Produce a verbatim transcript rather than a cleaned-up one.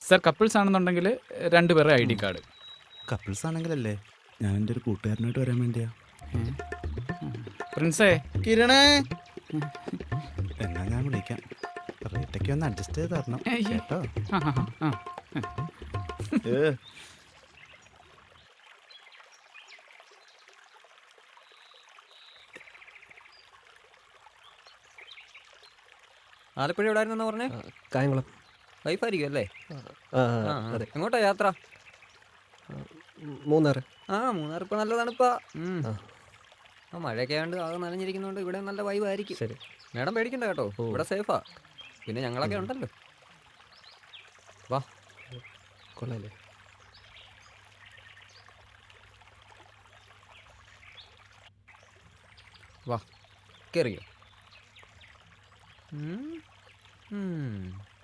Sir couples ആണെന്നുണ്ടെങ്കിൽ രണ്ടുപേരുടെ I D card. Couples ആണെങ്കിലല്ലേ ഞാൻ എൻ്റെ ഒരു കൂട്ടുകാരനായിട്ട് വരാൻ വേണ്ടിയാ. പ്രിൻസേ കിരണേ, എന്നാ ഞാൻ വിളിക്കാം. റേറ്റൊക്കെ ഒന്ന് അഡ്ജസ്റ്റ് ചെയ്ത് തരണം കേട്ടോ. ആ ആ ആ ഏ, ആലപ്പുഴ എവിടെയായിരുന്നു പറഞ്ഞേ? കായംകുളം. വൈഫായിരിക്കും അല്ലേ? ആ ആ, ആ. അതെ. എങ്ങോട്ടാ യാത്ര? മൂന്നാറ്. ആ മൂന്നാർ ഇപ്പൊ നല്ല തണുപ്പാ. ഉം. ആ. ആ മഴയൊക്കെ ആയതുകൊണ്ട് ആകെ നനഞ്ഞിരിക്കുന്നതുകൊണ്ട് ഇവിടെ നല്ല വൈബായിരിക്കും. ശരി. മേഡം പേടിക്കണ്ട കേട്ടോ, ഇവിടെ സേഫാ. പിന്നെ ഞങ്ങളൊക്കെ ഉണ്ടല്ലോ. വാ. കൊള്ളാല്ലേ? വാ കയറിയോ? ഉം. ഉം.